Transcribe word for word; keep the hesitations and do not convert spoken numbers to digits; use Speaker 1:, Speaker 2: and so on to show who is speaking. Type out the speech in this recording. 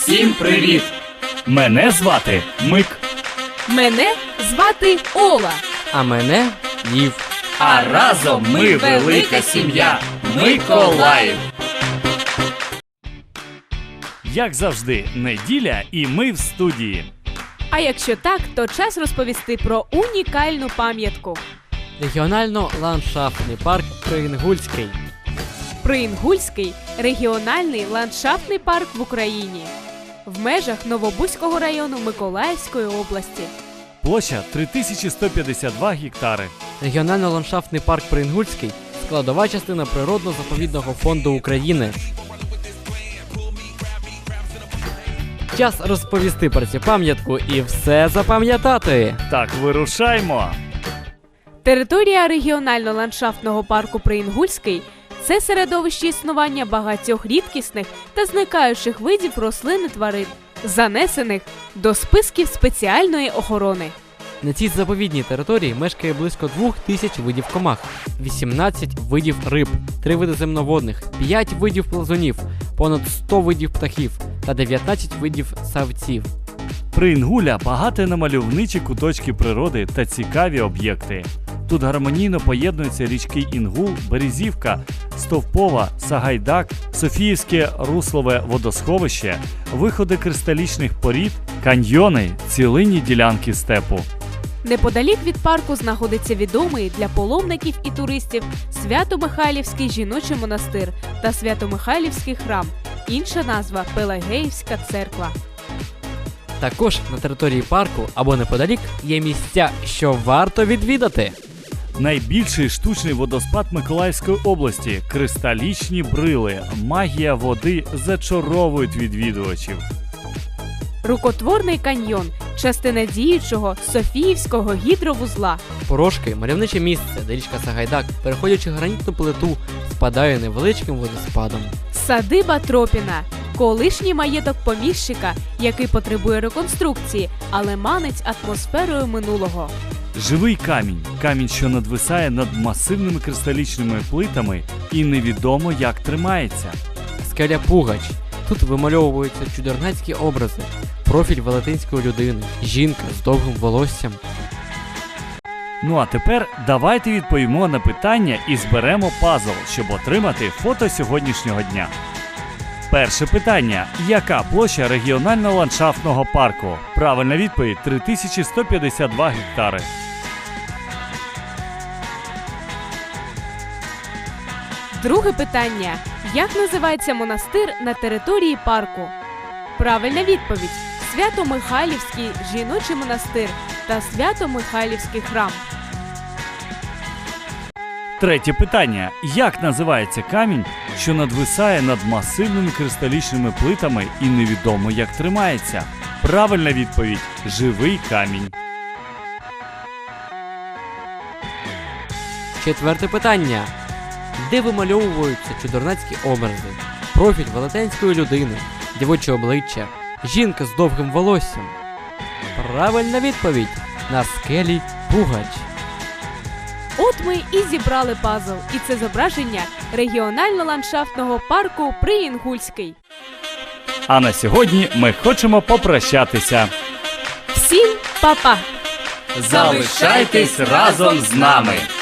Speaker 1: Всім привіт! Мене звати Мик.
Speaker 2: Мене звати Ола.
Speaker 3: А мене Лів.
Speaker 1: А разом ми велика сім'я Миколаїв. Як завжди, неділя і ми в студії.
Speaker 2: А якщо так, то час розповісти про унікальну пам'ятку.
Speaker 3: Регіонально-ландшафтний парк Приінгульський.
Speaker 2: Приінгульський – регіональний ландшафтний парк в Україні. В межах Новобузького району Миколаївської області.
Speaker 1: Площа три тисячі сто п'ятдесят два гектари.
Speaker 3: Регіонально-ландшафтний парк Приінгульський – складова частина Природно-заповідного фонду України. Час розповісти про цю пам'ятку і все запам'ятати.
Speaker 1: Так, вирушаймо.
Speaker 2: Територія регіонально-ландшафтного парку Приінгульський – це середовище існування багатьох рідкісних та зникаючих видів рослин і тварин, занесених до списків спеціальної охорони.
Speaker 3: На цій заповідній території мешкає близько двох тисяч видів комах, вісімнадцять видів риб, три види земноводних, п'ять видів плазунів, понад сто видів птахів та дев'ятнадцять видів савців.
Speaker 1: Приінгуля багато на мальовничі куточки природи та цікаві об'єкти. Тут гармонійно поєднуються річки Інгул, Березівка, Стовпова, Сагайдак, Софіївське руслове водосховище, виходи кристалічних порід, каньйони, цілинні ділянки степу.
Speaker 2: Неподалік від парку знаходиться відомий для паломників і туристів Свято-Михайлівський жіночий монастир та Свято-Михайлівський храм, інша назва – Пелагеївська церква.
Speaker 3: Також на території парку або неподалік є місця, що варто відвідати.
Speaker 1: Найбільший штучний водоспад Миколаївської області – кристалічні брили, магія води зачаровують відвідувачів.
Speaker 2: Рукотворний каньйон – частина діючого Софіївського гідровузла.
Speaker 3: Порошки – мальовниче місце, де річка Сагайдак, переходячи гранітну плиту, спадає невеличким водоспадом.
Speaker 2: Садиба Тропіна – колишній маєток поміщика, який потребує реконструкції, але манить атмосферою минулого.
Speaker 1: Живий камінь – камінь, що надвисає над масивними кристалічними плитами і невідомо як тримається.
Speaker 3: Скеля Пугач. Тут вимальовуються чудернацькі образи, профіль велетенської людини, жінка з довгим волоссям.
Speaker 1: Ну а тепер давайте відповімо на питання і зберемо пазл, щоб отримати фото сьогоднішнього дня. Перше питання. Яка площа регіонально-ландшафтного парку? Правильна відповідь – три тисячі сто п'ятдесят два гектари.
Speaker 2: Друге питання. Як називається монастир на території парку? Правильна відповідь – Свято-Михайлівський жіночий монастир та Свято-Михайлівський храм.
Speaker 1: Третє питання. Як називається камінь, що надвисає над масивними кристалічними плитами і невідомо як тримається? Правильна відповідь – живий камінь.
Speaker 3: Четверте питання. Де вимальовуються чудернацькі образи, профіль велетенської людини, дівоче обличчя, жінка з довгим волоссям? Правильна відповідь – на скелі Пугач.
Speaker 2: От ми і зібрали пазл, і це зображення регіонально-ландшафтного парку Приінгульський.
Speaker 1: А на сьогодні ми хочемо попрощатися.
Speaker 2: Всім па-па!
Speaker 1: Залишайтесь разом з нами!